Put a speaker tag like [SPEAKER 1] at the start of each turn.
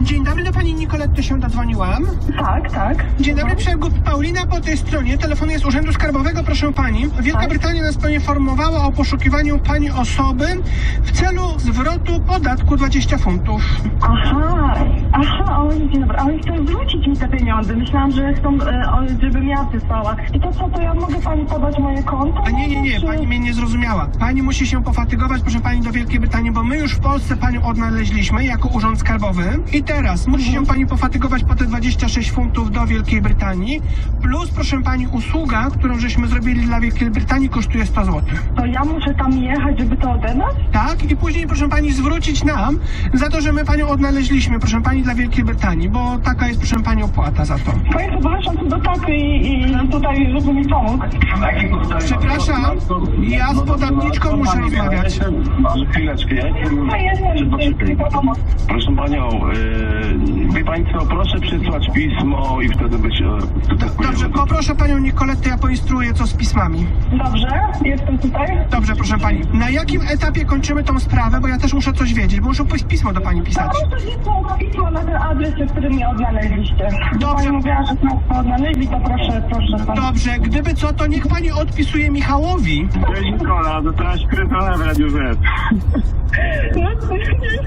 [SPEAKER 1] Dzień dobry, do pani Nicoletty się dodzwoniłam.
[SPEAKER 2] Tak, tak.
[SPEAKER 1] Dzień dobry, Paulina po tej stronie. Telefonuję z Urzędu Skarbowego, proszę pani. Wielka Brytania nas poinformowała o poszukiwaniu pani osoby w celu zwrotu podatku 20 funtów.
[SPEAKER 2] Aha, dzień dobry. Ale chcą zwrócić mi te pieniądze. Myślałam, że chcą, żebym ja wysłała. I to co, to ja mogę pani podać moje konto?
[SPEAKER 1] A nie,
[SPEAKER 2] Czy...
[SPEAKER 1] pani mnie nie zrozumiała. Pani musi się pofatygować, proszę pani, do Wielkiej Brytanii, bo my już w Polsce panią odnaleźliśmy jako Urząd Skarbowy. I teraz musi się pani pofatygować po te 26 funtów do Wielkiej Brytanii. Plus, proszę pani, usługa, którą żeśmy zrobili dla Wielkiej Brytanii, kosztuje 100 zł.
[SPEAKER 2] To ja muszę tam jechać, żeby to odebrać?
[SPEAKER 1] Tak? I później, proszę pani, zwrócić nam za to, że my panią odnaleźliśmy, proszę pani, dla Wielkiej Brytanii, bo taka jest, proszę pani, opłata za to.
[SPEAKER 2] Państwo polecam tu do taty i tutaj, żeby mi pomógł.
[SPEAKER 1] Przepraszam, ja z podatniczką muszę rozmawiać.
[SPEAKER 3] Chwileczkę, ja proszę panią, wie pani co, proszę przysłać pismo i wtedy być...
[SPEAKER 1] Dobrze, poproszę panią Nicolettę, ja poinstruuję, co z pismami.
[SPEAKER 2] Dobrze, jestem tutaj.
[SPEAKER 1] Dobrze, proszę pani. Na jakim etapie kończymy tą sprawę, bo ja też muszę coś wiedzieć, bo muszę pismo do pani pisać.
[SPEAKER 2] Proszę pismo na ten adres, który mnie odnaleźliście.
[SPEAKER 1] Dobrze.
[SPEAKER 2] Pani mówiła, że państwo odnaleźli, to proszę.
[SPEAKER 1] Dobrze, gdyby co, to niech pani odpisuje Michałowi.
[SPEAKER 3] Cześć Nikola, dostałaś krytone w Radiu Z.